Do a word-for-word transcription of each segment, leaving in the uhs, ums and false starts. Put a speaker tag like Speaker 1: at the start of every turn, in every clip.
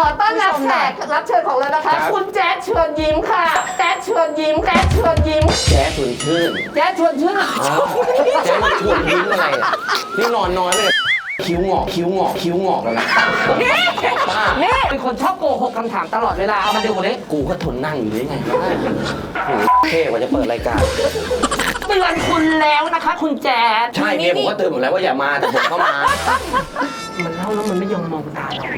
Speaker 1: ต้อนรับแขกรับเชิญของเรานะคะคุณแจ๊ดเชิญยิ้มค่ะแจ๊ดเชิญยิ้มแจ๊ดเชิญยิ้ม
Speaker 2: แจ๊ดชวนชื่น
Speaker 1: แจ๊ดชวนชื่น
Speaker 2: อ้าวแจ๊ดชวนยิ้มอะไรอ่ะนี่นอนน้อยไปเลยคิ้วงอกคิ้วงอกคิ้วงอกแล้วนะป้า
Speaker 1: นี่เป็นคนชอบโกหกคำถามตลอดเวลาเอามาดูดิ
Speaker 2: กูก็ทนนั่งอยู่ได้ไงโอ้โหเท่กว่าจะเปิดรายการ
Speaker 1: เตือนคุณแล้วนะคะคุณแจ๊ด
Speaker 2: ใช่เมียผมก็เตือนผมแล้วว่าอย่ามาแต่ผมก็มา
Speaker 1: มันเล่าแล้วมันไม่ยอมมองตาเรา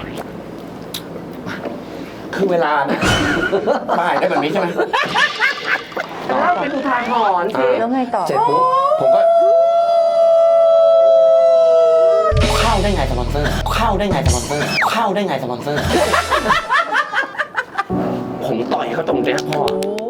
Speaker 2: คือเวลานะป้ายได้แบบนี้ใช่ไหม
Speaker 1: เล่าเป็นอุทาหรณ์สิ
Speaker 3: แล้วไงต่อ
Speaker 2: เสร็จปุ๊บผมก็เข้าได้ไงสปอนเซอร์เข้าได้ไงสปอนเซอร์เข้าได้ไงสปอนเซอร์ผมต่อยเขาตรงเนี้ยพ่อ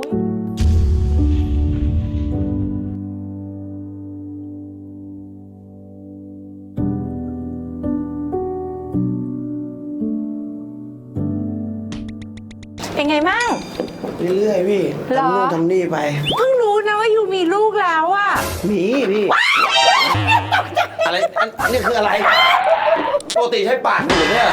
Speaker 3: เป็นไงมั่ง
Speaker 2: เรื่อยๆพี่
Speaker 3: หรอ
Speaker 2: ทำนู่นทำนี่ไป
Speaker 3: เพิ่งรู้นะว่ายูมีลูกแล้วอะ
Speaker 2: มีพี่อะไรอันอันนี้คืออะไรปกติใช้ปากอยู่เนี่ย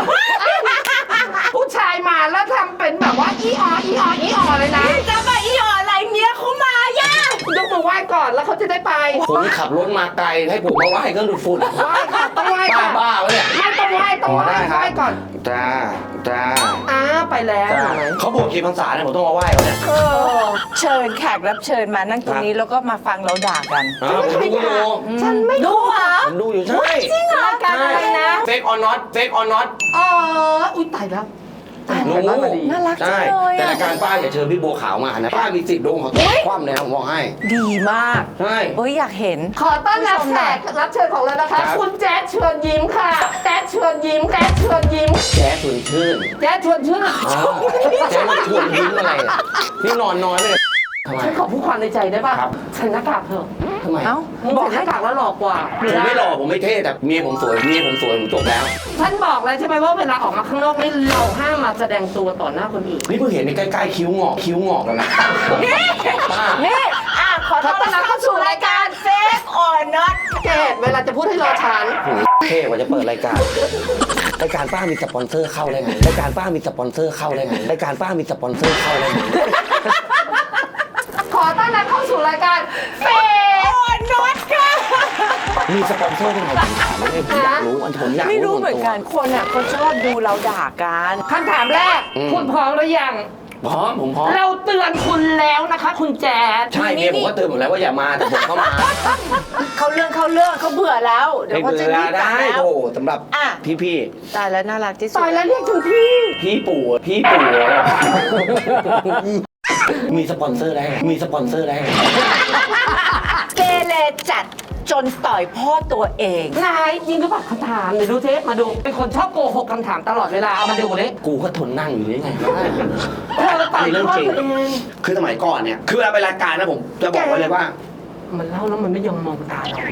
Speaker 1: ผู้ชายมาแล้วทำเป็นแบบว่าอีอออีอออีออเลยนะ
Speaker 3: จะมาอีหออะไรเมียเขามาย่าย
Speaker 1: กมือไหว้ก่อนแล้วเขาจะได้ไป
Speaker 2: ผมขับรถมาไกลให้ผมมาไหว้ก็หลุดฝุ่น
Speaker 1: ไหว้ค่ะต้องไหว้
Speaker 2: บ้า
Speaker 1: ก่อน
Speaker 2: บ้าวะเนี่ย
Speaker 1: ไม่ต้องไหว้ต้องไหว้ไหว้ก่อน
Speaker 2: จ้าจ้า
Speaker 1: อ้าไปแล้ว
Speaker 2: จ้า
Speaker 1: เห็นไหม
Speaker 2: เขาบวชกี่พรรษาเนี่ยผมต้องมาไหว้เขาเนี่ย
Speaker 3: เออเชิญแขกรับเชิญมานั่งตรงนี้แล้วก็มาฟังเราด่ากัน
Speaker 2: อ้าวผมดูก็ดู
Speaker 1: ฉันไม่
Speaker 3: ดูเหรอ
Speaker 2: ผมดูอยู่ใช่
Speaker 3: จริงเหรอรายการอะไรนะ
Speaker 2: เฟกออนน็อตเฟกออนน็อต
Speaker 1: อ๋ออุ้ยตายแล้วตาย
Speaker 2: รู้
Speaker 1: แล้วพอดี
Speaker 3: น่ารักจัง
Speaker 2: ใช่
Speaker 3: เลย
Speaker 2: แต่
Speaker 3: อะ
Speaker 2: รายการป้าอย่าเชิญพี่บัวขาวมานะป้ามีสิทธิ์โดนเขาคว่ำเลยนะผมบอกให้
Speaker 3: ดีมาก
Speaker 2: ใช่
Speaker 3: เอ้ยอยากเห็น
Speaker 1: ขอต้อนรับแขกรับเชิญของเรานะคะคุณแจ๊ดเชิญยิ้มค่ะแจ๊ดเชิญยิ้มแจ๊ดเชิญยิ้ม
Speaker 2: แจ๊ดชวนชื่น
Speaker 1: แจ๊ดชวนชื่น
Speaker 2: อ้าวแจ๊ดชวนยิ้มอะไรอ่ะนี่นอนน้อยไปเลยทำไม
Speaker 1: ฉันขอพูดความในใจได้ป่ะ
Speaker 2: ครับ
Speaker 1: ฉันหน้ากากเถอะ
Speaker 2: ทำไม
Speaker 3: เอ้า
Speaker 1: มึงบอกหน้ากากแล้วหลอกกว่า
Speaker 2: ผมไม่หล่อผมไม่เท่แต่เมียผมสวยเมียผมสวยผมจบแล้ว
Speaker 1: ฉันบอกแล้วใช่ไหมว่าเวลาออกมาข้างนอกนี่เราห้ามมาแสดงตัวต่อหน้าคนอื่น
Speaker 2: นี่เพิ่งเห็นในใกล้ๆคิ้วงอกคิ้วงอกแล้วนะป้า
Speaker 3: นี่อ่ะขอต้อนรับเข้าสู่รายการเฟกออนน็อต
Speaker 1: เกดเวลาจะพูดให้รอฉัน
Speaker 2: โอ้โหเท่กว่าจะเปิดรายการรายการป้ามีสปอนเซอร์เข้าได้ไงรายการป้ามีสปอนเซอร์เข้าได้ไงรายการป้ามีสปอนเซอร์เข้าได้ไง
Speaker 1: ขอต้อนรับเข้าสู่รายการเฟ
Speaker 3: ออนน็อตค่ะ
Speaker 2: มีสปอนเซอร์ได้ไงผมถามไม่ได้ผมอยากรู้อันผมอยาก
Speaker 3: ไม่รู้
Speaker 2: ส่ว
Speaker 3: เหมือนกัน
Speaker 2: ตัว
Speaker 3: คนอ่ะเขาชอบดูเราด่ากัน
Speaker 1: คำถามแรก
Speaker 2: อืม
Speaker 1: คุณพร้อมหรือยัง
Speaker 2: พร้อมผมพร้อม
Speaker 1: เราเตือนคุณแล้วนะคะ คุณแจ๊ด
Speaker 2: ใช่เมียผมก็เตือนผมแล้วว่าอย่ามาแต่ผมก็มา
Speaker 3: เขาเรื่องเขาเรื่องเขาเบื่อแล้ว เดี๋ยวเขาจะรีบกลับ
Speaker 2: ได้
Speaker 3: แล้ว
Speaker 2: โอ้สำหรับ
Speaker 3: อ่ะ
Speaker 2: พี่พี่
Speaker 3: ตายแล้วน่ารักที่สุด
Speaker 1: ตายแล้วเรียกถึงพี่
Speaker 2: ๆพี่ปู่พี่ปู่มีสปอนเซอร์ได้ไงมีสปอนเซอร์ได้ไง
Speaker 3: เกเรจัดจนต่อยพ่อตัวเอง
Speaker 1: นายจริงหรือเปล่าคำถามเดี๋ยวดูเทปมาดู เป็นคนชอบโกหกคำถามตลอดเวลาเอามาดูดิ
Speaker 2: กูก็ทนนั่งอยู่ได้ไง
Speaker 1: เธอต่อยพ่อตัวเอง
Speaker 2: คือสมัยก่อนเนี่ยคือเวลาไปรายการนะผมจะบอกไว้เลยว่า
Speaker 1: มันเล่าแล้วมันไม่ยอมมองตาเรา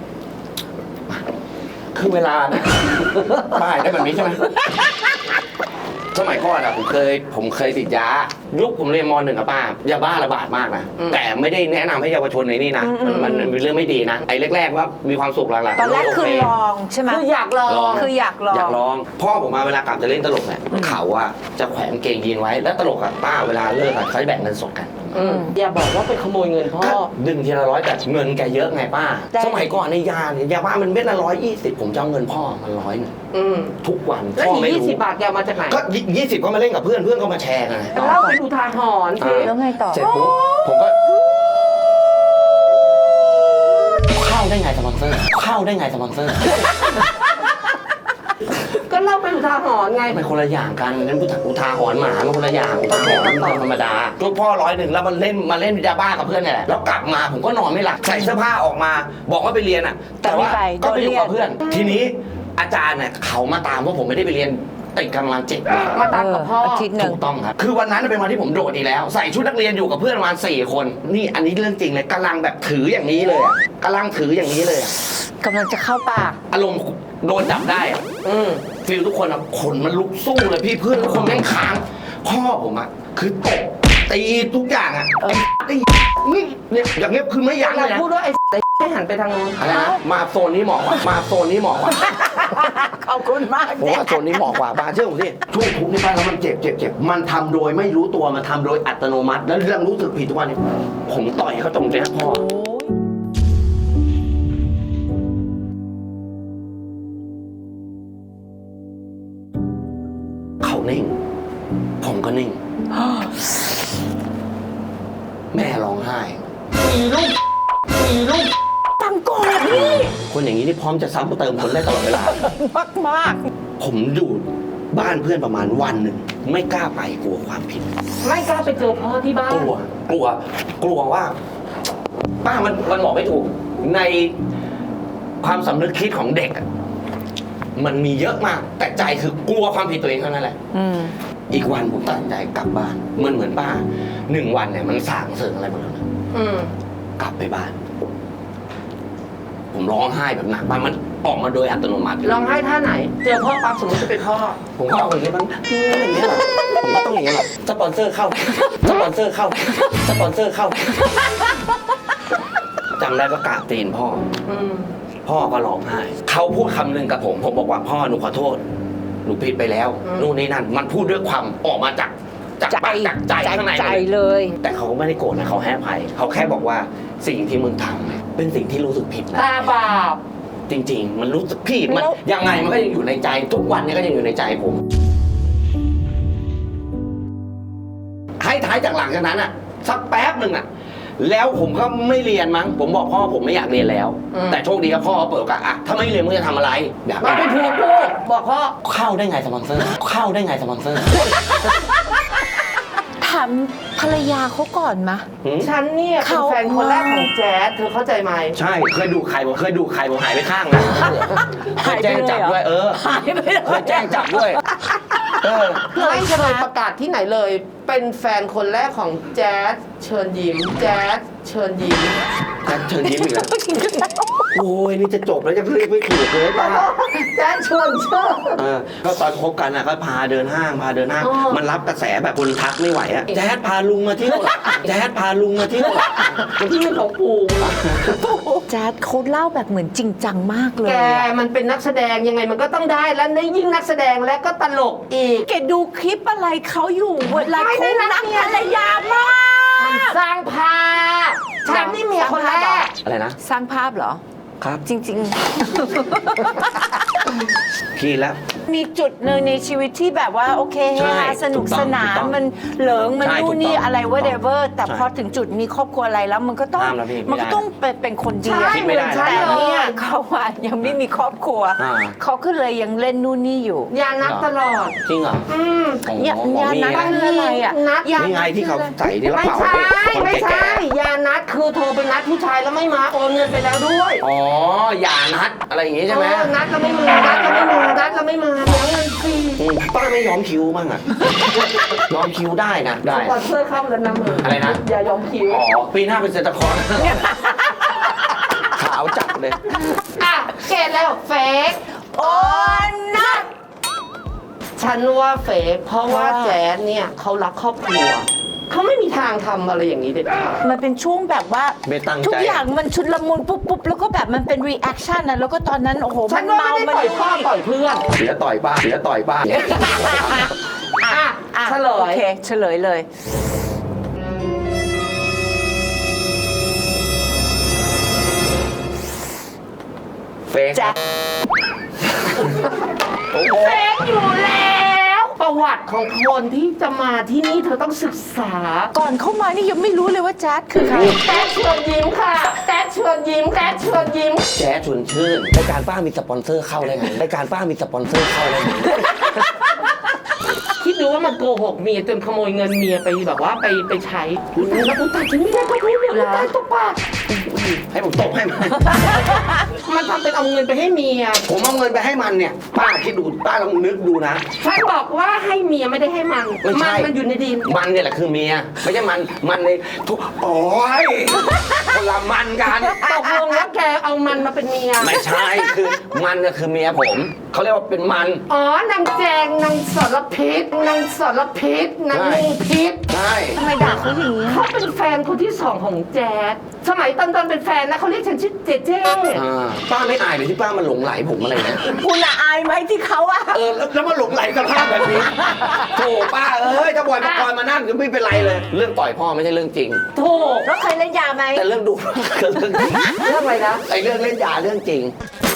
Speaker 2: คือเวลานะป้ายได้แบบนี้ใช่ไหมสมัยก่อนอะผมเคยผมเคยติดยายุคผมเรียนมหนึ่งอะป้ายาบ้าระบาดมากนะแต่ไม่ได้แนะนำให้เยาวชนในนี่นะมันมันมันเป็นเรื่องไม่ดีนะไอ้แรกๆว่ามีความสุขหลังๆ
Speaker 3: ตอนแรก
Speaker 2: โ
Speaker 3: คือลองใช่ไหม
Speaker 1: คืออยากลอง
Speaker 2: ลอง
Speaker 3: คืออยากลอง
Speaker 2: อยากลองพ่อผมมาเวลากลับจะเล่นตลกเนี่ยเขาอะจะแขวนกางเกงยีนไว้แล้วตลกอะป้าเวลาเลิกอะเขาจะแบ่งเงินสดกัน
Speaker 1: อืมอย่าบอกว่าไปขโมยเงินพ่อ
Speaker 2: ก็ดึงทีละร้อยแต่เงินแกเยอะไงป้า
Speaker 3: ได้
Speaker 2: สมัยก่อนในยาเนี่ยยาบ้ามันเม็ดละร้อยยี่สิบผมจะเอาเงินพ่อมันร้อยหนึ่ง
Speaker 1: อืม
Speaker 2: ทุกวัน
Speaker 1: แล้ว
Speaker 2: พ่อ
Speaker 1: อีก
Speaker 2: ไม่
Speaker 1: ยี่
Speaker 2: รู้
Speaker 1: สิบบาทแกเอามาจากไหน
Speaker 2: ก็ยี่สิบก็มาเล่นกับเพื่อนเพื่อนก็มาแชร์กันไง
Speaker 1: เล่าเป็นอุทาหรณ์สิ
Speaker 3: แล้วไงต่อ
Speaker 2: เสร็จปุ๊บผมก็เข้าได้ไงสปอนเซอร์เข้าได้ไงสปอนเซอร์
Speaker 1: ก็เล่าเป็นอุทาหรณ์ไง
Speaker 2: มันคนละอย่างกันนั่นอุทาหรณ์หมามันคนละอย่างอุทาหรณ์มันธรรมดาลูกพ่อร้อยหนึ่งแล้วมันเล่นมาเล่นยาบ้ากับเพื่อนเนี่ยแหละแล้วกลับมาผมก็นอนไม่หลับใส่เสื้อผ้าออกมา บอกว่าไปเรียนอ่ะ แต่ว่า
Speaker 3: แต่ไม่ไป
Speaker 2: ก็ไปอยู่
Speaker 3: โดนเรียก
Speaker 2: กับเพื่อน ทีนี้อาจารย์เนี่ยเขามาตามว่าผมไม่ได้ไปเรียนติดกำลังเจ็ดวัน
Speaker 1: มาตามกับพ่อ
Speaker 3: เอาทิตย์หนึ่
Speaker 2: ถู
Speaker 3: ง
Speaker 2: กต้องครับ คือวันนั้นเป็นวันที่ผมโดดอีกแล้ว ใส่ชุดนักเรียนอยู่กับเพื่อนประมาณสี่คน นี่อันนี้เรื่องจริงเลยกำลังแบบถืออย่างนี้เลยอะกำลังถืออย่างนี้เลยอะ
Speaker 3: กำลังจะเข้าปาก
Speaker 2: อารมณ์โดนจับได้อะ
Speaker 1: อืม
Speaker 2: ฟิลทุกคนอะขนมันลุกสู้เลยพี่เพื่อนทุกคนแม่งค้าง พ่อผมอะคือตบตีทุกอย่างอะไอ้ไอ้นี่เนี่ยอย่างเงี้ยคือไม่ยั้ง
Speaker 1: เรา
Speaker 2: เลยนะ
Speaker 1: พูดว่าไอ้ไอ้ให้หันไปทางโน้น
Speaker 2: อะไรนะมาโซนนี้เหมาะกว่ามาโซนนี้เหมาะกว่า
Speaker 3: ขอบคุณมาก
Speaker 2: ผมว่าโซนนี้เหมาะกว่าป้าเชื่อผมสิช่วงทุกข์นี่ป้าแล้วมันเจ็บเจ็บเจ็บมันทำโดยไม่รู้ตัวมันทำโดยอัตโนมัติแล้วเรื่องรู้สึกผิดทุกวันนี้ผมต่อยเขาตรงเนี้ยพ่อเขานิ่งผมก็นิ่ง แม่ร้องไห้มีลูกมีลูก
Speaker 3: ตังก่อนพี่
Speaker 2: คนอย่างนี้นี่พร้อมจะซ้ำเติมคนได้ตลอดเวลา
Speaker 3: มากมาก
Speaker 2: ผมอยู่บ้านเพื่อนประมาณวันหนึ่งไม่กล้าไปกลัวความผิด
Speaker 1: ไม่กล้าไปเจอพ่อที่บ้าน
Speaker 2: กลัว กลัว กลัวว่า ป้ามันมันบอกไม่ถูก ในความสำนึกคิดของเด็กอะมันมีเยอะมาก แต่ใจคือกลัวความผิดตัวเองเท่านั้นแหละ
Speaker 3: อืม
Speaker 2: อีกวันผมตัดสินใจกลับบ้านเหมือนเหมือนป้าหนึ่งวันเนี่ยมันสางเสริงอะไรหมดแล้วนะ
Speaker 1: อืม
Speaker 2: กลับไปบ้าน ผมร้องไห้แบบหนักมากมันออกมาโดยอัตโนมัติ
Speaker 1: ร้องไห้ท่าไหน เจอพ่อปั๊บสมมติจะเป็นพ่อ
Speaker 2: ผมก็เอาอย่างนี้มันอย่างนี้ยเหรอผมก็ต้องอย่างนี้ยเหรอสปอนเซอร์เข้าสปอนเซอร์เข้าสปอนเซอร์เข้าจำได้ก็กราบตีนพ่อ
Speaker 1: อืม
Speaker 2: พ่อก็ร้องไห้เขาพูดคำหนึ่งกับผม ผมบอกว่าพ่อหนูขอโทษหนูผิดไปแล้วนู่นนี่นั่นมันพูดด้วยความออกมาจากจากปากจากใจข้างใน
Speaker 3: ใจเลย
Speaker 2: แต่เขาก็ไม่ได้โกรธนะเขาให้อภัยเขาแค่บอกว่าสิ่งที่มึงทำเนี่ยเป็นสิ่งที่รู้สึกผิดนะ
Speaker 1: ตาบาป
Speaker 2: จริง ๆ มันรู้สึกผิดมัน
Speaker 3: แล้ว
Speaker 2: ยังไงมันก็ยังอยู่ในใจ ทุกวันนี้ก็ยังอยู่ในใจผม ให้ท้ายจากหลังจากนั้นอ่ะ สักแป๊บหนึ่งอ่ะ แล้วผมก็ไม่เรียนมั้ง ผมบอกพ่อผมไม่อยากเรียนแล้ว แต่โชคดีครับพ่อเปิดโอกาสอ่ะถ้าไม่เรียนมึงจะทำอะไรอยาก
Speaker 1: มาเป็นพูดพูดบอกพ่อ
Speaker 2: เข้าได้ไงสปอนเซอร์ เข้าได้ไงสปอนเซอร์
Speaker 3: ถามภรรยาเขาก่อนมะ
Speaker 2: หืม
Speaker 1: ฉันเนี่ยเป็น
Speaker 3: เขา
Speaker 1: แฟนคนแรกของแจ๊ดเธอเข้าใจไหม
Speaker 2: ใช่เคยดูใครผมเคยดูใครผมหายไปข้างนะเคยแจ้งจับด้วยเออ
Speaker 3: หายไปเลย
Speaker 2: เคยแจ้งจับด้วยเออ
Speaker 1: ไม่เคยประกาศที่ไหนเลย เป็นแฟนคนแรกของแจ๊ดเชิญยิ้มแจ๊ดเชิญยิ้ม
Speaker 2: แจ็คเชิญยิ้มอีกแล้วโอ้ยนี่จะจบแล้วจะเรียกไม่ถูกเลยป้า
Speaker 1: แจ๊ดเชิญเชิญ
Speaker 2: เออก็ตอนคบกันอ่ะก็พาเดินห้างพาเดินห้าง
Speaker 1: อ๋อ
Speaker 2: มันรับกระแสแบบคนทักไม่ไหวอ่ะแจ๊ดพาลุงมาเที่ยวเหรอแจ๊ดพาลุงมาเที่ยวเหรอ
Speaker 1: ที่เป็นของปู่
Speaker 3: แจ๊ดเขาเล่าแบบเหมือนจริงจังมากเลย
Speaker 1: แก
Speaker 3: อะ
Speaker 1: มันเป็นนักแสดงยังไงมันก็ต้องได้แล้วในยิ่งนักแสดงและก็ตลกอีก
Speaker 3: แกดูคลิปอะไรเขาอยู่เวลา
Speaker 1: ไม่ได้
Speaker 3: เขา
Speaker 1: รั
Speaker 3: รั
Speaker 1: ก
Speaker 3: ก
Speaker 1: เมีย
Speaker 3: ภรรยามาก
Speaker 1: มันสร้างภาพฉันนี่เมียคนแรก
Speaker 2: อะไรนะ
Speaker 3: สร้างภาพเหรอ
Speaker 2: ครับ
Speaker 3: จริง
Speaker 2: พี่แล้ว
Speaker 3: ๆ มีจุดหนึ่งในชีวิตที่แบบว่าโอเคเฮ
Speaker 2: ใช่
Speaker 3: ฮาสนุกสนาน
Speaker 2: ถูกต้อง
Speaker 3: มันเหลิงมัน
Speaker 2: ใช่
Speaker 3: นู่นนี่
Speaker 2: ถูกต้อง
Speaker 3: อะไร whatever แต่
Speaker 2: ใช่
Speaker 3: พอถึงจุดมีครอบครัวอะไรแล้วมันก็ต้อง
Speaker 2: ห้ามแล้วพี่ไม่ได้
Speaker 3: มันก็ต้องเป็นเป็นคนดี
Speaker 1: ใช่
Speaker 3: อะ
Speaker 2: คิดไม่ได้
Speaker 1: เหมือนฉัน
Speaker 3: แต่
Speaker 1: เล
Speaker 3: เนี่ย
Speaker 1: ย
Speaker 3: เขาอะยังไม่มีครอบครัว
Speaker 2: อ่า
Speaker 3: เขาก็เลยยังเล่นนู่นนี่อยู่
Speaker 1: ยานัดตลอด
Speaker 2: จริงเหรอ
Speaker 1: อืม
Speaker 2: อ๋อ
Speaker 3: อย่า
Speaker 2: หมอ
Speaker 3: อย่า
Speaker 2: มี
Speaker 3: นัด
Speaker 2: นะ
Speaker 3: คืออะไรอะ
Speaker 1: นัด
Speaker 3: อย่า
Speaker 2: นี่ไงที่เขาใส่ที่กระ
Speaker 1: ไม่
Speaker 2: เป๋า
Speaker 1: ใช่
Speaker 2: คน
Speaker 1: ไม่
Speaker 2: แก่
Speaker 1: ใช่ยานัดคือโทรไปนัดผู้ชายแล้วไม่มาโอนเงินไปแล้วด้วย
Speaker 2: ๆอ๋ออย่านัดอะไรอย่างงี้ใช่ไหม
Speaker 1: เออนัดแล้วไม่มานัดแล้วไม่มานัดแล้วไม่มาเลี้ยงเงินฟรี
Speaker 2: อืมป้าไม่ยอมคิวบ้างอ่ะ ยอมคิวได้นะได้
Speaker 1: สปอนเซอร์เข้าแล้วนะมึง
Speaker 2: อะไรนะ
Speaker 1: อย่ายอมคิว
Speaker 2: อ๋อปีหน้าเป็นเซนตาคลอร์ขาวจัดเลย
Speaker 1: อ่ะเกตแล้วเฟก
Speaker 3: โอ้นัด
Speaker 1: ฉันว่าเฟกเพราะว่า
Speaker 3: เพราะว่า
Speaker 1: แจ๊ดเนี่ยเขารักครอบครัวเขาไม่มีทางทำอะไรอย่างนี้เด็ดขาด
Speaker 3: มันเป็นช่วงแบบว่า
Speaker 2: ไม่ตั้งใจ
Speaker 3: ทุกอย่างมันชุดละมุนปุ๊บปุ๊บแล้วก็แบบมันเป็นรีแอคชั่นนะแล้วก็ตอนนั้นโอ้โห
Speaker 1: ฉั
Speaker 3: มัน น
Speaker 1: ว่า
Speaker 3: เมา
Speaker 1: ไม่ได้
Speaker 3: มัน
Speaker 1: ต่อยพ่อต่อยเพื่อน
Speaker 2: เสียต่อยป้าเสียต่อยป้า
Speaker 1: อ่ะ
Speaker 3: อ่ะ
Speaker 1: เฉล
Speaker 3: โอย เคเฉลยเลย
Speaker 2: เฟก
Speaker 3: แจ็ค
Speaker 2: โอ้โห
Speaker 1: เฟกอยู่แล้วประวัติของคนที่จะมาที่นี่เธอต้องศึกษา
Speaker 3: ก่อนเข้ามานี่ยังไม่รู้เลยว่าแจ๊ดคือใคร
Speaker 1: แจ๊ดเชิญยิ้มค่ะแจ๊ดเชิญยิ้มแจ๊ดเชิญยิ้ม
Speaker 2: แจ๊สชวนชื่นรายการป้ามีสปอนเซอร์เข้าได้ไงรายการป้ามีสปอนเซอร์เข้าได้ไง
Speaker 1: คิดดูว่ามันโกหกเมียจนขโมยเงินเมียไปแบบว่าไปไปใช้แล้วคุณตาฉันไม่ได้ก็พูดเลยคุณตาตบปาก
Speaker 2: ให้ผมตบให้มัน
Speaker 1: มันทำเป็นเอาเงินไปให้เมีย
Speaker 2: ผมเอาเงินไปให้มันเนี่ย ป้าคิดดูป้าลองนึกดูนะ
Speaker 1: ฉันบอกว่าให้เมียไม่ได้ให้มัน
Speaker 2: ไม่ใช่
Speaker 1: มันมันอยู่ในดิน
Speaker 2: มันเนี่ยแหละคือเมีย ไม่ใช่มันมันในทุกโอ้ยคนละมันกัน
Speaker 1: ตกลงแล้วแกเอามันมาเป็นเมีย
Speaker 2: ไม่ใช่คือมันก็คือเมียผมเขาเรียกว่าเป็นมัน
Speaker 1: อ๋อนางแจงนางสรพิษนางสรพิษนาง
Speaker 2: ใช่
Speaker 1: งูพิษ
Speaker 2: ใช่
Speaker 3: ทำไมด่าเขาอย่างนี้
Speaker 1: เขาเป็นแฟนคนที่สองของแจ๊ดสมัยตอนตอนเป็นแฟนนะเขาเรียกฉันชื่อเจเจ
Speaker 2: อ่าป้าไม่อายเลยที่ป้ามันหลงไหลผมอะไรเนี่ย
Speaker 3: คุณละอายไหมที่เขาอะ
Speaker 2: เออแล้วแล้วมาหลงไหลสภาพแบบนี้โถป้าเอ้ยถ้าบอยปกรณ์มานั่งก็ไม่เป็นไรเลย เรื่องต่อยพ่อไม่ใช่เรื่องจริง
Speaker 1: ถูก
Speaker 3: แล้วเคยเล่นยาไหม
Speaker 2: แต่เรื่องดู ก็เรื่องจริง
Speaker 1: เรื่องอะไรนะ
Speaker 2: ไอ้เรื่องเล่นยาเรื่องจริง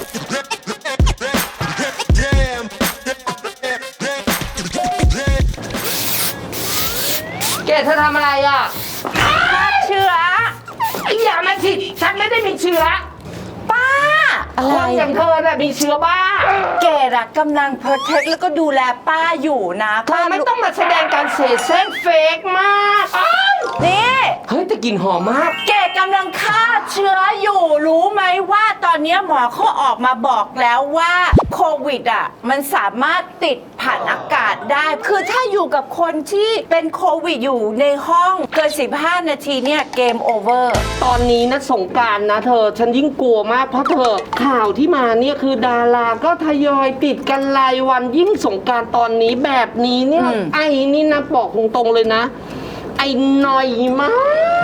Speaker 1: แกเธอทำอะไรอ่ะ
Speaker 3: เชื้อ
Speaker 1: ไอ้อย่ามาสิฉันไม่ได้มีเชื้อ
Speaker 3: ป้า อะ
Speaker 1: ค
Speaker 3: ไร
Speaker 1: นอย่างเธอน่ะมีเชื้อบ้า
Speaker 3: เกดอะกำลัง protect แล้วก็ดูแลป้าอยู่นะ
Speaker 1: เธอไม่ต้องมาแสดงการเสแสร้งเฟกมากอ้าว
Speaker 3: นี่
Speaker 1: เฮ้ยแต่กลิ่นหอมมาก
Speaker 3: เกดกำลังฆ่าเชื้ออยู่รู้ไหมว่าตอนนี้หมอเขาออกมาบอกแล้วว่าโควิดอ่ะมันสามารถติดผ่านอากาศได้ คือถ้าอยู่กับคนที่เป็นโควิดอยู่ในห้องเกินสิบห้านาทีเนี่ยเกมโอเวอร์
Speaker 1: ตอนนี้นะสงกรารนะเธอ ฉันยิ่งกลัวมากเพราะเธอ ข่าวที่มาเนี่ยคือดาราก็ทยอยติดกันรายวันยิ่งสงกรารตอนนี้แบบนี้เนี่ย
Speaker 3: อืม
Speaker 1: ไอ้นี่นะบอกตรงๆเลยนะ ไอ้หน่อยมาก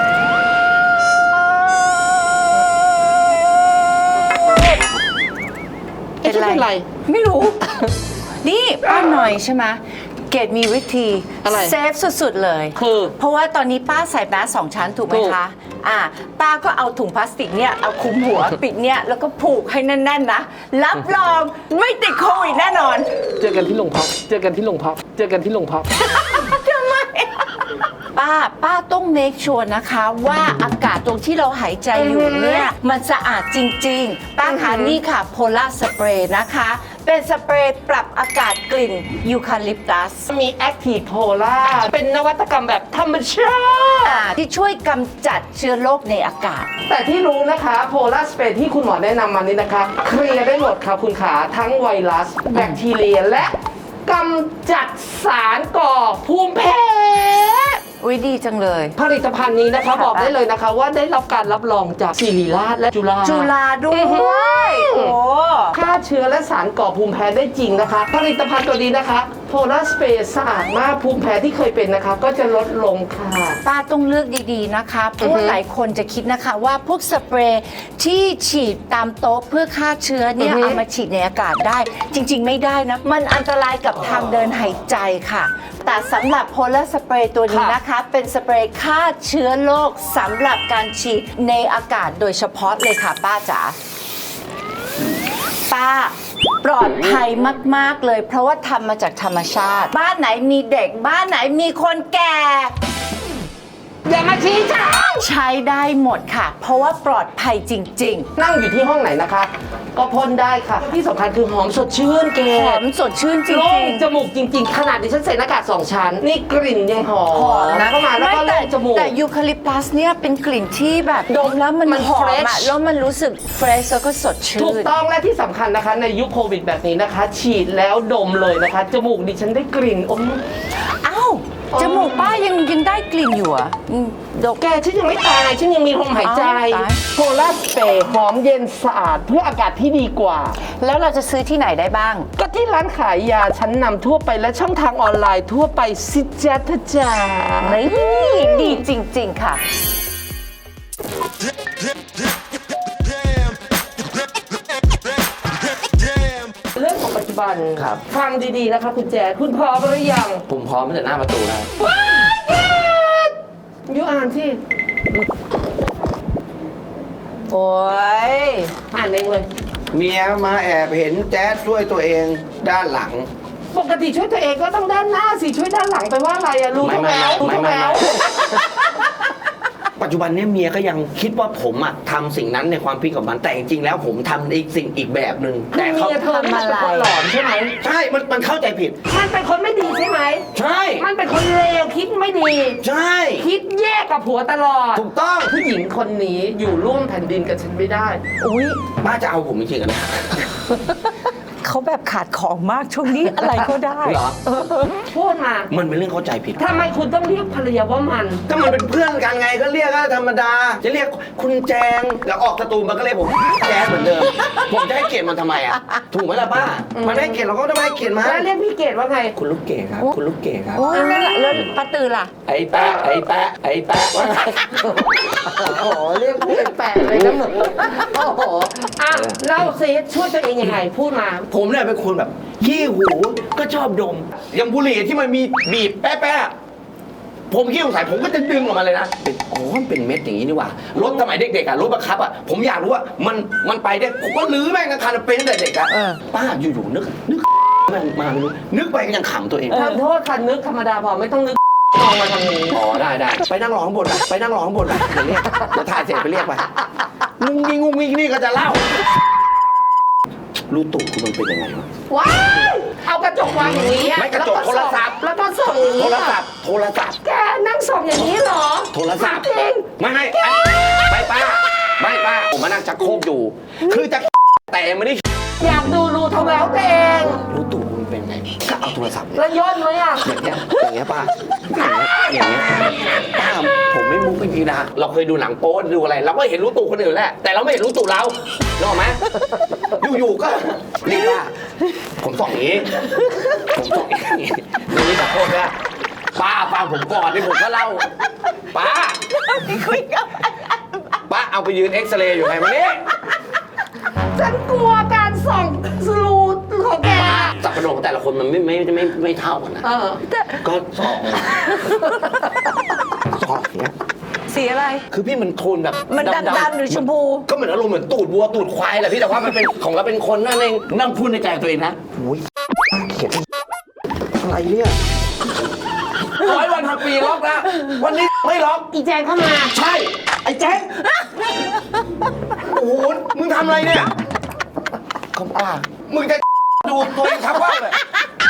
Speaker 3: เป็นไร
Speaker 1: เป็นไร
Speaker 3: ไม่รู้ นี่ป้าหน่อยใช่ไหมเกดมีวิธี
Speaker 1: อะไร
Speaker 3: เซฟสุดๆเลย
Speaker 1: คือ
Speaker 3: เพราะว่าตอนนี้ป้าใส่แมสสองชั้นถูกไหม
Speaker 1: ถูก
Speaker 3: คะ อ่า ป้าก็เอาถุงพลาสติกเนี่ย เอาคลุมหัว ปิดเนี่ย แล้วก็ผูกให้แน่นๆนะ รับรองไม่ติดโควิดแน่นอน
Speaker 1: เจอกันที่โรงพัก เจอกันที่โรงพัก เจอกันที่โรงพัก
Speaker 3: ทำไม ป้า ป้าต้องเมคชัวร์นะคะว่าอากาศตรงที่เราหายใจอยู่เนี่ย มันสะอาดจริง ๆ ป้าคะ
Speaker 1: อือหือ
Speaker 3: นี่ค่ะโพล่าสเปรย์นะคะ เป็นสเปรย์ปรับอากาศกลิ่นยูคาลิปตัส
Speaker 1: มีแอคทีฟโพล่าเป็นนวัตกรรมแบบธรรมชาติ
Speaker 3: อ่าที่ช่วยกำจัดเชื้อโรคในอากาศ
Speaker 1: แต่ที่รู้นะคะโพลาร์สเปรย์ที่คุณหมอแนะนำมานี้นะคะ เคลียร์ได้หมดค่ะคุณขาทั้งไวรัส แบคทีเรียและกำจัดสารก่อภูมิแพ้
Speaker 3: อุ้ยดีจังเลย
Speaker 1: ผลิตภัณฑ์นี้นะคะ บอกได้เลยนะคะ ว่าได้รับการรับรองจากศิริราชและจุฬา
Speaker 3: จุฬาด้ว
Speaker 1: อื้อหือ
Speaker 3: ย โอ้
Speaker 1: ฆ่าเชื้อและสารก่อภูมิแพ้ได้จริงนะคะ ผลิตภัณฑ์ตัวนี้นะคะโพลาร์สเปรย์สะอาดมากภูมิแพ้ที่เคยเป็นนะคะ ก็จะลดลงค่ะ
Speaker 3: ป้าต้องเลือกดีๆนะคะ เพราะว่าหลายคนจะคิดนะคะว่าพวกสเปรย์ที่ฉีดตามโต๊ะเพื่อฆ่าเชื้อเนี่ย
Speaker 1: อือฮึ
Speaker 3: เอามาฉีดในอากาศได้ จริงๆไม่ได้นะ มันอันตรายกับทางเดินหายใจค่ะ แต่สำหรับโพลาร์สเปรย์ตัวนี้นะคะ เป็นสเปรย์ฆ่าเชื้อโรคสำหรับการฉีดในอากาศโดยเฉพาะเลยค่ะป้าจ๋า ป้าปลอดภัยมาก ๆ เลย เพราะว่าทำมาจากธรรมชาติ บ้านไหนมีเด็ก บ้านไหนมีคนแก่
Speaker 1: อย่ามาชี้ฉัน
Speaker 3: ใช้ได้หมดค่ะ เพราะว่าปลอดภัยจริง
Speaker 1: นั่งอยู่ที่ห้องไหนนะคะ ก็พ่นได้ค่ะที่สำคัญคือหอมสดชื่นเก
Speaker 3: ๆ หอมสดชื่นจริ
Speaker 1: โล่
Speaker 3: ง
Speaker 1: งจมูกจริง ๆ ขนาดดิฉันใส่หน้ากากสองชั้น นี่กลิ่นยังหอม
Speaker 3: ๆ หอมนะ
Speaker 1: เข้ามาแล้วก็
Speaker 3: ไม่
Speaker 1: โล่
Speaker 3: แต่
Speaker 1: งจมูก
Speaker 3: แต่ยูคาลิปตัสเนี่ยเป็นกลิ่นที่แบบดมแล้วมัน
Speaker 1: มัน
Speaker 3: หอม
Speaker 1: fresh
Speaker 3: อะแล้วมันรู้สึกเฟรชแล้วก็สดชื่
Speaker 1: ถูก
Speaker 3: น
Speaker 1: ต้องและที่สำคัญนะคะ ในยุคโควิดแบบนี้นะคะ ฉีดแล้วดมเลยนะคะ จมูกดิฉันได้กลิ่นอม
Speaker 3: อ้าวจมูกป้ายังยังได้กลิ่นอยู่เหรอ่ะดก
Speaker 1: แกฉันยังไม่ตายฉันยังมีลมหายใจ
Speaker 3: อ้าวตาย
Speaker 1: โพลาร์สเปรย์หอมเย็นสะอาดเพื่ออากาศที่ดีกว่า
Speaker 3: แล้วเราจะซื้อที่ไหนได้บ้าง
Speaker 1: ก็ที่ร้านขายยาชั้นนำทั่วไปและช่องทางออนไลน์ทั่วไปสิจ๊ะทะจ๋า
Speaker 3: นี่ดีจริง ๆ ค่ะ
Speaker 1: เรื่องของปัจจุบัน
Speaker 2: ครับ
Speaker 1: ฟังดีๆนะคะคุณแจ๊ดคุณพร้อมหรือยัง
Speaker 2: ผมพร้อมตั้งแต่หน้าประตูแล้ว
Speaker 1: ยูอ่านที่
Speaker 3: โอ้ย
Speaker 1: อ่านเองเลย
Speaker 2: เมียมาแอบเห็นแจ๊ดช่วยตัวเองด้านหลัง
Speaker 1: ปกติช่วยตัวเองก็ต้องด้านหน้าสิช่วยด้านหลังไปว่าอะไรอะรู้
Speaker 2: ไม่
Speaker 1: ทุก
Speaker 2: ไม่
Speaker 1: แล้วรู้
Speaker 2: ไม่
Speaker 1: ทุก
Speaker 2: ไม่
Speaker 1: แล้ว
Speaker 2: ปัจจุบันเนี้เมียก็ยังคิดว่าผมอะทำสิ่งนั้นในความคิดกับมันแต่จริงๆแล้วผมทำอีกสิ่งอีกแบบหนึ่ง
Speaker 1: แต่
Speaker 2: แต่
Speaker 1: เมี
Speaker 2: เขา
Speaker 1: ยเธอมันเป็นคนหลอนใช่ไหม
Speaker 2: ใช่มันมันเข้าใจผิด
Speaker 1: มันเป็นคนไม่ดีใช่ไหม
Speaker 2: ใช่
Speaker 1: มันเป็นคนเลวคิดไม่ดี
Speaker 2: ใช่
Speaker 1: คิดแยกกับผัวตลอด
Speaker 2: ถูกต้อง
Speaker 1: ผู้หญิงคนนี้อยู่ร่วมแผ่นดินกับฉันไม่ได้
Speaker 3: อุ้ย
Speaker 2: ป้าจะเอาผมจริงๆอะนะ
Speaker 3: เขาแบบขาดของมากช่วงนี้อะไรก็ได้
Speaker 2: เหรอ
Speaker 1: พูดมา
Speaker 2: มันเป็นเรื่องเข้าใจผิด
Speaker 1: ทำไมคุณต้องเรียกภรรยาว่ามัน
Speaker 2: ก็มันเป็นเพื่อนกันไงก็เรียกก็ธรรมดา จะเรียกคุณแจงแล้วออกสตูมันก็เรียกผมแจงเหมือนเดิม ผมจะให้เกียรติมันทำไมอ่ะถูกไหมล่ะป้ามันไม่ให้เกียรติเราก็ต้องให้เกียรติมัน
Speaker 1: แล้วเรียกพี่เกดว่าไง
Speaker 2: คุณลูกเกดครับ คุณลูกเกดครับ
Speaker 3: โอ้ยแล้วแล้วป้าตือล่ะ
Speaker 2: ไอ้แปะไอ้แปะไอ้แปะว่าไง
Speaker 1: โอ้โหเรียกพี่เป็นแปะเลยนะมึงโอ้โหอ่ะเล่าซิช่วยตัวเองยังไงพูดมา
Speaker 2: ผมเนี่ยเป็นคนแบบขี้หูก็ชอบดมอย่างบุหรี่ที่มันมีบีบแป๊ะๆผมขี้สงสัยผมก็จะดึงออกมาเลยนะเป็นอ๋อมันเป็นเม็ดอย่างนี้นี่หว่ารถสมัยเด็กๆอ่ะรถบังคับอ่ะผมอยากรู้ว่ามันมันไปได้ผมก็ลื้อแม่งทั้งคันเป็นตั้งแต่เด็กอ่ะ
Speaker 3: เออ
Speaker 2: ป้าอยู่ๆนึกนึกมันมาไม่รู้นึกไปก็ยังขำตัวเอง
Speaker 1: ทำโทษคันนึกธรรมดาพอไม่ต้องนึกมองมาทางนี้
Speaker 2: อ๋อได้ได้ไปนั่งรอข้างบนไปไปนั่งรอข้างบนไปเดี๋ยวเรียกเดี๋ยวถ่ายเสร็จไปเรียกไปงุ้งงิ้งงุ้งงิ้งนี่ก็จะเล่ารู้ตู่คุณมันเป็นยังไงวะ
Speaker 1: ว้ายเอากระจกวางอย่างนี้อ
Speaker 2: ไม่กระจกโทรศัพท์
Speaker 1: แล้วก็ส่องอย่าง
Speaker 2: โท
Speaker 1: นี้
Speaker 2: รศัพท์โทรศัพท์
Speaker 1: แกนั่งส่องอย่างนี้เหรอ
Speaker 2: โทรศัพท์
Speaker 1: จริง
Speaker 2: ไม่ไม่ไม่ป้าไม่ป้าผมมานั่งชักโครกอยู่ คือจะแต่ไม่ได้
Speaker 1: อยากดูรูทำแล้วตัวเอง
Speaker 2: รู้ตู่คุณเป็นไงก็เอาโทรศัพท์เนี่ย
Speaker 1: แล้วย่นไหมอ่ะ
Speaker 2: อย่างเงี้ยอย่างเงี้ยป้าอย่างเงี้ยอย่างเงี้ยป้าผมไม่มุกไม่พีนะเราเคยดูหนังโป๊ดูอะไร เราก็เห็นรู้ตู่คนอื่นแหละแต่เราไม่เห็นรู้ตู่เรานึกออกไหมอยู่ๆก็นี่ป้าผมส่องอย่างนี้ผมส่องอย่างนี้ดูนี่ชักโครกเนี่ยป้าฟังผมก่อนนี่ผมก็เล่าป้า
Speaker 3: คุยกับ
Speaker 2: ป้าเอาไปยืนเอ็กซเรย์อยู่ไงวันนี้
Speaker 1: ฉันกลัวการส่องรูของแก
Speaker 2: สับปะรดของแต่ละคนมันไม่ไม่ไม่ไม่เท่ากันนะ
Speaker 1: เออ
Speaker 2: ก็สองสองเนี้ย
Speaker 3: สีอะไร
Speaker 2: คือพี่มันโทนแบบ
Speaker 3: มันดำๆหรือชมพู
Speaker 2: ก็เหมือนอารมณ์เหมือนตูดวัวตูดควายแหละพี่แต่ว่ามันเป็นของเราเป็นคนนั่นเองนั่งพูดในใจตัวเองนะโอ้ยเขียนอะไรเนี่ยร้อยวันพันปีล็อกนะวันนี้ไม่ล็อก
Speaker 1: อีแจงเข้ามา
Speaker 2: ใช่ไอ้แจ๊คโอ้โหมึงทำอะไรเนี่ยคำป้ามึงจะดูตัวเองทับว่าเลย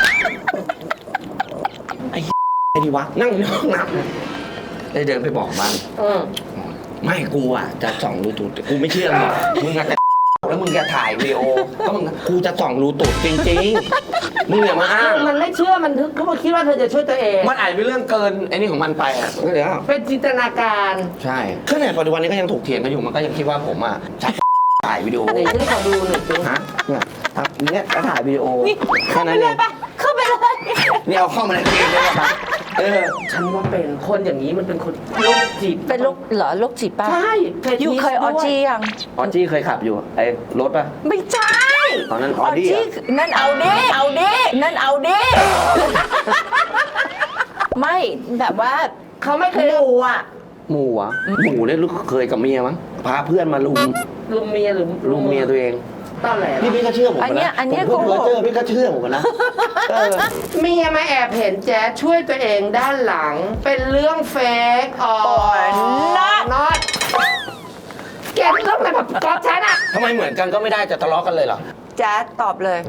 Speaker 2: ไอ้ไอ้ดีวะนั่งอยู่ในห้องน้ำเลยเดินไปบอกมัน
Speaker 1: เออ
Speaker 2: ไม่กูอ่ะจะส่องรูตูดกูไม่เชื่อมึงมึงอาจจะแล้วมึงจะถ่ายวีดีโอก็มึงกูจะส่องรูตูดจริงๆมึงอย่ามาอ้าง
Speaker 1: คือมันไม่เชื่อมันทึกเขาคิดว่าเธอจะช่วยตัวเอง
Speaker 2: มันอาจเป็นเรื่องเกินไอ้นี่ของมันไปอ่ะก็เดี๋ยว
Speaker 1: เป็นจินตนาการ
Speaker 2: ใช่ขนาดปัจจุบันนี้ก็ยังถกเถียงกันอยู่มันก็ยังคิดว่าผมอ่ะชักถ่ายวิดีโอ
Speaker 1: ไหนฉันขอดูหน่อยสิ
Speaker 2: ฮะเนี่ยครับเนี่ยก็ถ่ายวิดีโอ
Speaker 3: นี่
Speaker 2: แค่นั้น
Speaker 3: เล
Speaker 2: เอย ง
Speaker 3: ปะเข้าไปเลย
Speaker 2: นี่เอาเข้ามาในเกมเลยครับเออ
Speaker 1: ฉันว่าเป็นคนอย่างนี้มันเป็นคนโรคจิต
Speaker 3: เป็นโรคเหรอโรคจิตป่ะ
Speaker 1: ใช่
Speaker 3: อยู่เคยออจียัง
Speaker 2: ออจี้เคยขับอยู่ไอ้รถป่ะ
Speaker 3: ไม่ใช่
Speaker 2: ตอนนั้นออดี้เหรอ
Speaker 3: นั่นเอาดิเอาดินั่นเอาดิไม่แบบว่า
Speaker 1: เขาไม่เคย
Speaker 3: หมูอ่ะ
Speaker 2: หมูอ่ะหมูเนี่ยลูกเคยกับเมียมั้งพาเพื่อนมาลุม
Speaker 1: ลุมเมียหรือ
Speaker 2: ลุมเมียตัวเอง
Speaker 1: ตอนแหล
Speaker 2: พี่พี่ก็เชื่อผม
Speaker 3: อันเนี้ย
Speaker 2: นะ
Speaker 3: อันเนี้ย
Speaker 2: ผมพูด
Speaker 3: โกหก
Speaker 2: เจอพี่ก็เชื่อผมนะเออ
Speaker 1: เมียมาแอบเห็นแจ๊ดช่วยตัวเองด้านหลัง เป็นเรื่องเฟกอ๋อ
Speaker 3: not
Speaker 1: น็อตแกเรื่องอะไรแบบก๊อฟฉันอะ
Speaker 2: ทำไมเหมือนกันก็ไม่ได้จะทะเลาะกันเลยเหรอ
Speaker 3: แจ๊ดตอบเลย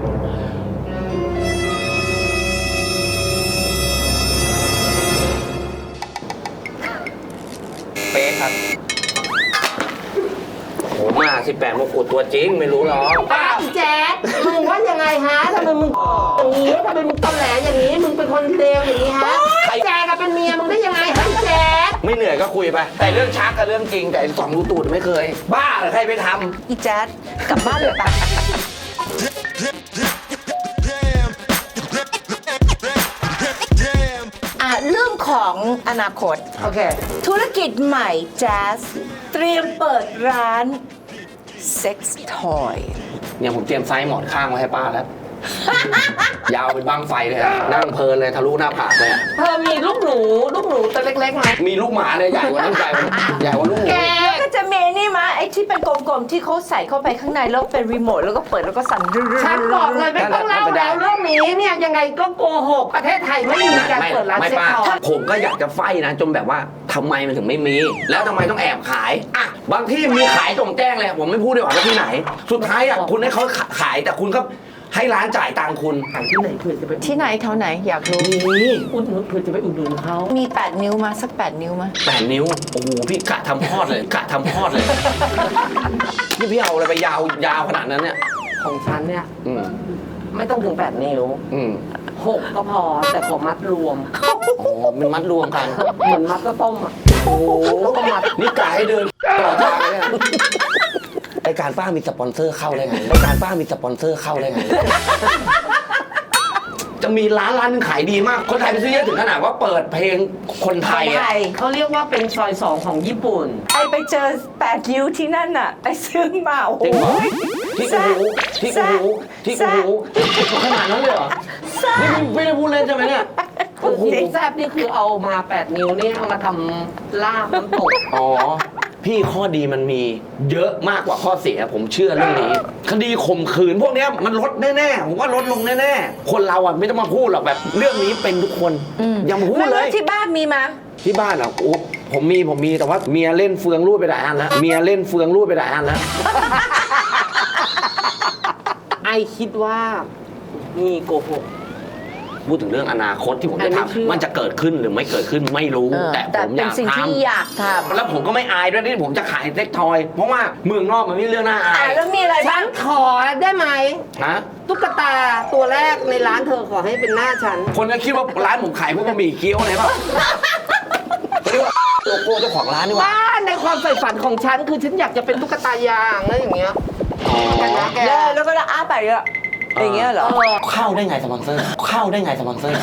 Speaker 2: เป๊ะครับโหมาสิบแปดมงกุฎตัวจริงไม่รู้หรอก
Speaker 1: อ้าวแจ๊ดมึงว่ายังไงฮะทำไมมึงอย่างนี้ทำไมมึงตอแหลอย่างนี้ มึงเป็นคนเลวอย่างนี้ฮะแจ๊ดกับเป็นเมียมึงได้ยังไงฮะแจ๊ด
Speaker 2: ไม่เหนื่อยก็คุยไป แต่เรื่องชักกับเรื่องจริงแต่ไอ้สองรูตูดไม่เคย บ้าเหรอใครไปท
Speaker 3: อีแจ๊ดกลับบ้านเลยปะอ่ะเรื่องของอนาคต
Speaker 1: โอเค
Speaker 3: ธุรกิจใหม่แจ๊สเตรียมเปิดร้านเซ็กซ์ทอย
Speaker 2: ำเนี่ยผมเตรียมไซส์หมอนข้างไว้ให้ป้าแล้ว ยาวเป็นบังไฟเลยอะนั่งเพลินเลยทะลุหน้าผากเลยอะ
Speaker 1: เธอมีลูกหนู ลูกหนูตัวเล็กๆไหม
Speaker 2: มีลูกหมาเลยใหญ่กว่านั้นใหญ่กว่าใหญ่กว่าลูกหมู
Speaker 1: แก
Speaker 3: ก็จะมีนี่มาไอ้ที่เป็นกลมๆที่เขาใส่เข้าไปข้างในแล้วเป็นรีโมทแล้วก็เปิดแล้วก็สั่น
Speaker 1: ฉันบอกเลยไม่ต้องเล่าแล้วเรื่องนี้เนี่ยยังไงก็โกหกประเทศไทยไม่มีการ
Speaker 2: ไม่
Speaker 1: เปิดร้าน
Speaker 2: ไม่
Speaker 1: เซ็ก
Speaker 2: ป้า
Speaker 1: ซ์ทอย
Speaker 2: ผมก็อยากจะไฟนะจนแบบว่าทำไมมันถึงไม่มี แล้วทำไมต้องแอบขายอ่ะบางที่มีขายตรงแจ้งเลยผมไม่พูดดีกว่าว่าที่ไหน สุดท้ายอ่ะคุณให้เขาขายแต่คุณก็ให้ร้านจ่ายตังค์คุณ
Speaker 1: ขายที่ไหนเผื่อจะไป
Speaker 3: ที่ไหนแถวไหนอยากรู้
Speaker 2: นี่
Speaker 1: อุดหนุนเผื่อจะไปอุดหนุนเขา
Speaker 3: มีแปดนิ้วมาสักแปดนิ้วมา
Speaker 2: แปดนิ้วโอ้โหพี่กะทำพอดเลยกะทำพอดเลยนี่พี่เอาอะไรไปยาวยาวขนาดนั้นเนี่ย
Speaker 1: ของฉันเนี่ย
Speaker 2: อืม
Speaker 1: ไม่ต้องถึงแปดนิ้ว
Speaker 2: อืม
Speaker 1: หกก็พอแต่ขอมัดรวม
Speaker 2: อ๋อมันมัดรวมกัน
Speaker 1: เหมือนมัดก็ต้มอ่ะ
Speaker 2: โอ้
Speaker 1: แล้วก็มัด
Speaker 2: นี่กายให้เดินตลอดทางเลยเนี่ยไอการป้ามีสปอนเซอร์เข้าได้ไงไอการป้ามีสปอนเซอร์เข้าได้ไง จะมีร้านร้านหนึงขายดีมาก คนไทยไปซื้อเยอะถึงขนาดว่าเปิดเพลงคนไทย
Speaker 3: ไท
Speaker 2: อะ
Speaker 3: ย
Speaker 1: เขาเรียกว่าเป็นซอยสองของญี่ปุ่น
Speaker 3: ไอไปเจอแปดนิ้วที่นั่นน่ะ ไอซื้อมาโอ้โห
Speaker 2: จริงเหรอที่กูหูที่กูหูที่กูหูขนาดนั้นเลยเหรอ นี่ไม่ได้พูดเล่นใช่ไหมเนี่ย
Speaker 1: คือที่แซบนี่คือเอามาแปดนิ้วนี่เอามาทำลาบน้ำตก
Speaker 2: อ๋อ พี่ข้อดีมันมีเยอะมากกว่าข้อเสียผมเชื่อเรื่องนี้ คดีข่มขืนพวกเนี้ยมันลดแน่ๆผมว่าลดลงแน่ๆคนเราอ่ะไม่ต้องมาพูดหรอกแบบ เรื่องนี้เป็นทุกคนอย่ามาพูด
Speaker 3: แล้ว
Speaker 2: เลย
Speaker 3: ที่บ้านมีมา
Speaker 2: ที่บ้านอ่ะโอ้ผมมีผมมีแต่ว่าเมียเล่นเฟืองรูดไปหลายอันแล้วเมียเล่นเฟืองรูดไปหลายอันแล้ว
Speaker 1: ไอคิดว่ามีโกหก
Speaker 2: พูดถึงเรื่องอนาคตที่ผม
Speaker 1: อั
Speaker 2: จะ
Speaker 1: นนี้เชื่อ
Speaker 2: ทำมันจะเกิดขึ้นหรือไม่เกิดขึ้นไม่รู้
Speaker 3: เออ
Speaker 2: แต่
Speaker 3: แต่
Speaker 2: ผมอ
Speaker 3: เป็น
Speaker 2: ยาก
Speaker 3: สิ่ง
Speaker 2: ท
Speaker 3: ที่อยากท
Speaker 2: ำแล้วผมก็ไม่อายด้วยที่ผมจะขายเซ็กทอย เพราะว่าเมืองนอกมันไม่มีเรื่องน่า
Speaker 3: ำ
Speaker 2: อา
Speaker 3: อ่ะ
Speaker 2: ย
Speaker 3: แล้วมีอะไร
Speaker 1: ฉั
Speaker 3: บ้าง
Speaker 1: นขอได้ไหม
Speaker 2: ฮะ
Speaker 1: ตุ๊กตาตัวแรกในร้านเธอขอให้เป็นหน้าฉัน
Speaker 2: คนก็คิดว่าร้านผมขายพวกบะหมี่เกี๊ยวอะไรเปล่าเขาเรียกว่าโลโก้เจ้าของร้านนี่หว่า
Speaker 1: บ้านในความใฝ่ฝันของฉันคือฉันอยากจะเป็นตุ๊กตายางนะอย่างเงี้ย
Speaker 2: อ๋อ
Speaker 1: กันนะแก
Speaker 3: แล้วแล้วก็อ้าไปเลยอะอย่างเงี้ยเหรอ
Speaker 1: เออ
Speaker 2: เข้าได้ไงสปอนเซอร์ เข้าได้ไงสปอนเซอร์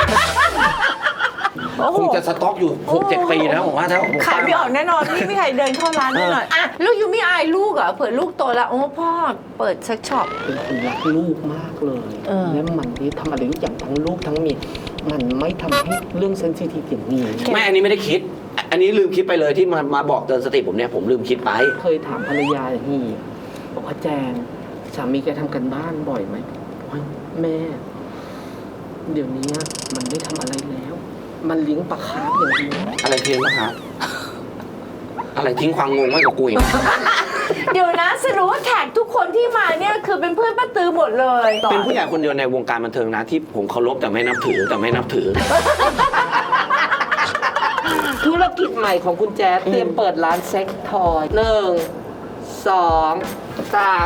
Speaker 3: โอ้โห
Speaker 2: คงจะสต็อกอยู่หกเจ็ดปีนะผมว่าถ้าผม
Speaker 3: ขายไม่ออกแน่นอนไม่มีใครเดินเข้าร้านแน่นอนอ่ะลูกยูไม่อายลูกเหรอเผื่อลูกโตแล้วโอ้พ่อเปิดเซ็กช็อป
Speaker 1: เป็นคนรักลูกมากเลย
Speaker 3: เออ
Speaker 1: และมันที่ทำอะไรทุกอย่างทั้งลูกทั้งเมียมันไม่ทำให้เรื่องเซนซิทีฟอย่างนี้
Speaker 2: ไม่อันนี้ไม่ได้คิด อันนี้ลืมคิดไปเลยที่มามาบอกเตือนสติผมเนี่ยผมลืมคิดไป
Speaker 1: เคยถามภรรยาอย่างนี้บอกว่าแจงสามีแกทำกันบ้านบ่อยไหมบอกว่าแม่ เดี๋ยวนี้มันไม่ทำอะไรแล้ว มันเลี้ยงปลาคาร์ฟอย่างเดียว
Speaker 2: อะไรเพี้ยนปะครับ อะไรทิ้งความงงไว้กับกูอีก
Speaker 3: เดี๋ยวนะสรุปว่าแขกทุกคนที่มาเนี่ยคือเป็นเพื่อนป้าตือหมดเลย
Speaker 2: เป็นผู้ใหญ่คนเดียวในวงการบันเทิงนะที่ผมเคารพแต่ไม่นับถือแต่ไม่นับถือ
Speaker 1: ธุรกิจใหม่ของคุณแจ๊ดเตรียมเปิดร้านเซ็กทอยหนึ่งสองสาม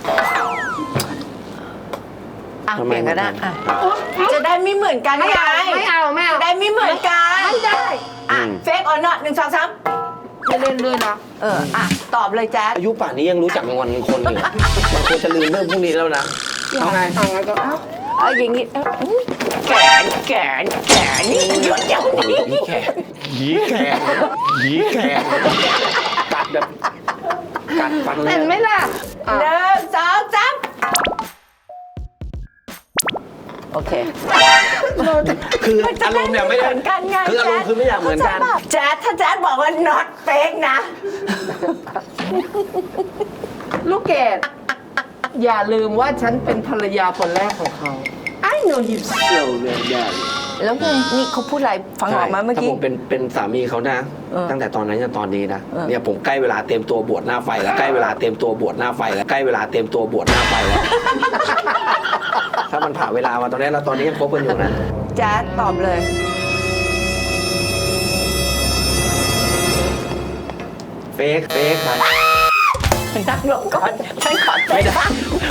Speaker 3: อ่ะ
Speaker 2: ทำไม
Speaker 3: เปลี่ยนก็ได้
Speaker 2: มัน
Speaker 3: อ่ะจะได้ไม่เหมือนกัน
Speaker 1: ไม่
Speaker 3: ไง
Speaker 1: เอาไม่เอาไม่เอา
Speaker 3: จะได้ไม่เหมือนกัน
Speaker 1: ไม่ได้
Speaker 3: อ่ะเฟกออนนอตหนึ่งสองสาม
Speaker 1: ไม่เล่นด้วยนะ
Speaker 3: เอออ่ะตอบเลยแจ๊ด
Speaker 2: อายุป่านนี้ยังรู้จักงอนคนอยู่มันควรจะลืมเรื่องพวกนี้แล้วนะเอาไง
Speaker 1: เอางั้นก็เอา
Speaker 3: เอาอย่างงี้เอ้าอุ๊ยแขนแขนแขนนี่หยุดเดี๋ยวนี้
Speaker 2: ยีแขกยีแขกยีแขกกัดแบบกัดฟันเล
Speaker 1: เห็
Speaker 2: ย
Speaker 1: นไหมล่ะอ่ะ
Speaker 3: หนึ่งสองสามโอเค
Speaker 2: คืออารมณ์เนี่ยไม่ได้
Speaker 3: เหมือนกันไง
Speaker 2: คืออารมณ์คือไม่อยากเหมือนกัน
Speaker 3: แจ๊ดถ้าแจ๊ดบอกว่า not fake นะ
Speaker 1: ลูกเกดอย่าลืมว่าฉันเป็นภรรยาคนแรกของเขา I know him so well darling
Speaker 3: แล้วไงนี่เขาพูดอะไรฟังออกมาเมื่อกี้
Speaker 2: ถ้าผมเป็นเป็นสามีเขานะ
Speaker 3: เออ
Speaker 2: ตั้งแต่ตอนนั้นจนตอนนี้นะ
Speaker 3: เออ
Speaker 2: เนี่ยผมใกล้เวลาเตรียมตัวบวชหน้าไฟแล้วใกล้เวลาเตรียมตัวบวชหน้าไฟแล้วใกล้เวลาเตรียมตัวบวชหน้าไฟแล้ว ถ้ามันผ่านเวลามาตอนนี้แล้วตอนนี้ยังคบกันอยู่นะ
Speaker 3: แจ๊ดตอบเลย
Speaker 2: เฟกเฟกไป
Speaker 3: นั่งลงก่อนฉันขอใจบ้าง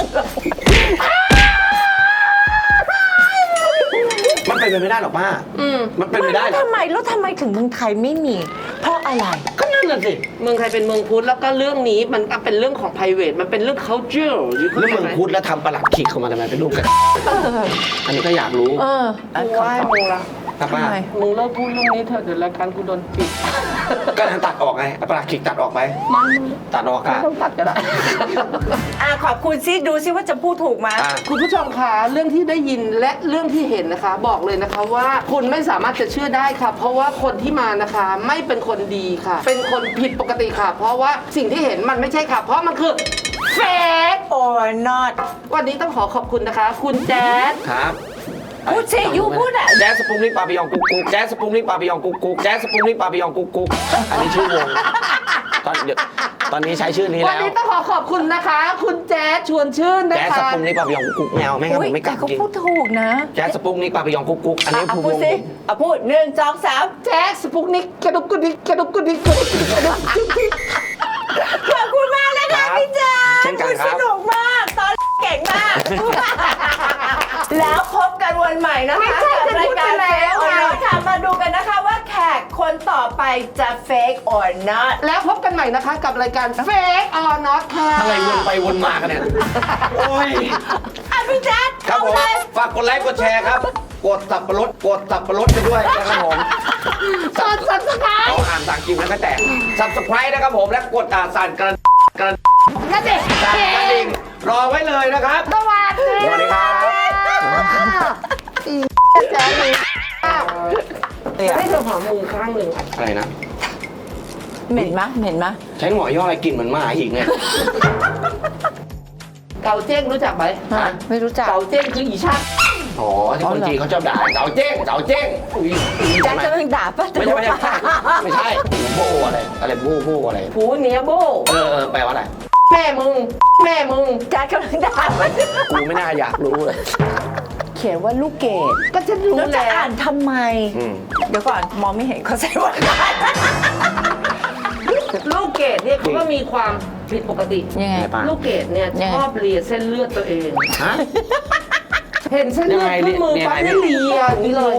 Speaker 2: มันเป็นไปไม่ได้หรอกป้า
Speaker 1: อืม
Speaker 2: มันเป็นไปได้เหรอ
Speaker 3: ทำไมแล้วทำไมถึงเมืองไทยไม่มี เพราะอะไร
Speaker 2: ก็นั่นน่ะสิ
Speaker 1: เมืองไทยเป็นเมืองพุทธแล้วก็เรื่องนี้มันเป็นเรื่องของ private มันเป็นเรื่อง culture อยู่ข้า
Speaker 2: แล้ว
Speaker 1: ใจ
Speaker 2: เมือง
Speaker 1: ไหม
Speaker 2: พุทธแล้วทำประหลัดขิกเข้ามาทำไมเป็นรูปกัน อันนี้ก็อยากรู้
Speaker 3: เออ
Speaker 1: กูไหว้มึงละ
Speaker 2: ถ้าป้า
Speaker 3: ทำไม
Speaker 1: มึงเลิกพูดเรื่องนี้เถอะเดี๋ยวรายการกูโดนปิด
Speaker 2: ก็ทางตัดออกไงเอาประหลัดขิกตัดออกไป
Speaker 1: มัน
Speaker 2: ตัดออก
Speaker 1: ไม่
Speaker 2: อะ
Speaker 1: ต้องตัดก็ได้
Speaker 3: อ่ะขอบคุณซิดูซิว่าจะพูดถูกไหม
Speaker 2: อ่ะ
Speaker 1: คุณผู้ชมคะเรื่องที่ได้ยินและเรื่องที่เห็นนะคะ บอกเลยนะคะว่าคุณไม่สามารถจะเชื่อได้ค่ะ เพราะว่าคนที่มานะคะไม่เป็นคนดีค่ะ เป็นคนผิดปกติค่ะ เพราะว่าสิ่งที่เห็นมันไม่ใช่ค่ะ เพราะมันคือเฟก
Speaker 3: or not
Speaker 1: วันนี้ต้องขอขอบคุณนะคะ คุณแจ๊ด
Speaker 2: ครับ
Speaker 3: พูดสิยูพูดอะ
Speaker 2: แจ๊สสปุงนิกปาปิยองกุ๊กกุ๊กแจ๊สสปุงนิกปาปิยองกุ๊กกุ๊กแจ๊สสปุงนิกปาปิยองกุ๊กกุ๊กอันนี้ชื่อวงตอนเดี๋ยวตอนนี้ใช้ชื่อนี้
Speaker 1: วัน
Speaker 2: แล้ว
Speaker 1: นี้ต้องขอขอบคุณนะคะ คุณแจ๊ดชวนชื่นนะ
Speaker 2: แจ๊สส
Speaker 1: คะ
Speaker 2: ปุงนิกปาปิยองกุ๊กกุ๊กแมวไม่งั้นผมไม่ก
Speaker 3: แต่
Speaker 2: ล้า
Speaker 3: เขา
Speaker 2: จริง
Speaker 3: พูดถูกนะ
Speaker 2: แจ๊สสปุงนิกปาปิยองกุ๊กกุ๊กอันนี้
Speaker 3: อ่ะ
Speaker 2: คือว
Speaker 3: พูด
Speaker 2: ง
Speaker 3: สิอ่ะพูดหนึ่งสองสาม
Speaker 1: แจ๊สสปุกนิกกระดุกกระดิกกระดุกกระดิกกระดุกกระดิกกระดุกกระดิก
Speaker 3: ขอบคุณมากนะคะพี่แจ๊
Speaker 2: เช่นกัน
Speaker 3: คุณ
Speaker 2: ครับ
Speaker 3: สนุกมาก ตอนเก่งมากแล้วพบกันวันใหม่นะคะ
Speaker 1: ไม่ใช่
Speaker 3: กับรายการ
Speaker 1: จะพูดไปแล้ว
Speaker 3: Fake or
Speaker 1: ไง
Speaker 3: Not ค่ะมาดูกันนะคะว่าแขกคนต่อไปจะ Fake or Not
Speaker 1: แล้วพบกันใหม่นะคะกับรายการ Fake or Not ค่ะ
Speaker 2: อะไรวนไปวนมากันเนี่ย โอ้ย
Speaker 3: อ่ะพี่แจ๊ค
Speaker 2: ครับ
Speaker 3: เอา
Speaker 2: ผม
Speaker 3: เลย
Speaker 2: ฝากกดไลค์กดแชร์ครับ กดสับปะรดกดสับปะรดไปด้วยนะครับผม
Speaker 1: กด subscribe
Speaker 2: เอาอ่านต่างกิมแล้วก็แตก subscribe นะครับผมและกดอ่านสั่นกระกระ
Speaker 1: นั่นเด็ก
Speaker 2: สั่นกระดิ่งรอไว้เลยนะครับ
Speaker 1: สวัสดี
Speaker 2: สวัสดีครับ
Speaker 1: อีแจ๊คเลยให้เธอหอมมือข้างหนึ่ง
Speaker 2: อะไรนะ
Speaker 3: เหม็นมะเหม็นมะ
Speaker 2: ใช้หมอย่ออะไรกลิ่นเหมือนหมาอีกเนี่ย
Speaker 1: เกาเจ้งรู้จักไหม
Speaker 3: ฮะไม่รู้จัก
Speaker 1: เกาเจ้งคืออีชัก
Speaker 2: อ๋อที่คนจีนเขาชอบด่าเก๋าเจ้งเก๋าเจ้งอุ้ย
Speaker 3: แจ๊คจะเพิ่งด่าปะ
Speaker 2: ไม่ใช่ไม่ใช่ไม่ใช่โบอะไรอะไรโบโบอะไร
Speaker 1: ผูเนียโบ
Speaker 2: เออเออแปลว่าอะไร
Speaker 1: แม่มึง แม่มึง
Speaker 3: แจ๊คกำลังด่าปะ
Speaker 2: กูไม่น่าอยากรู้เลย
Speaker 3: เขียนว่าลูกเกด
Speaker 1: ก็ฉันรู้
Speaker 3: แล้วจะ
Speaker 1: แล้ว
Speaker 3: อ่านทำไม
Speaker 2: อืม
Speaker 3: เดี๋ยวก่อนมองไม่เห็นเขาใส่ว่า
Speaker 1: ลูกเกดเนี่ยเขาก็มีความผิดปกติ
Speaker 3: ยังไง
Speaker 2: ไงป้า
Speaker 1: ลูกเกดเนี่ย
Speaker 3: ยังไง
Speaker 1: ชอบเลียเส้นเลือดตัวเอง
Speaker 2: ฮะ
Speaker 1: เห็นเส้นเลือด
Speaker 2: ยังไง
Speaker 1: ขึ้นมือ
Speaker 2: เลีย
Speaker 1: ปั๊บ
Speaker 2: ยังไง
Speaker 1: นี่เลียอย่างนี้เลย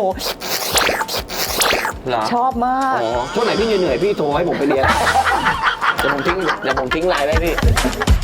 Speaker 2: เหรอ
Speaker 3: ชอบมาก
Speaker 2: อ๋อช่วงไหนพี่เหนื่อยๆพี่โทรให้ผมไปเรียนเดี๋ยวผมทิ้งเดี๋ยวผมทิ้งไลน์ไว้พี่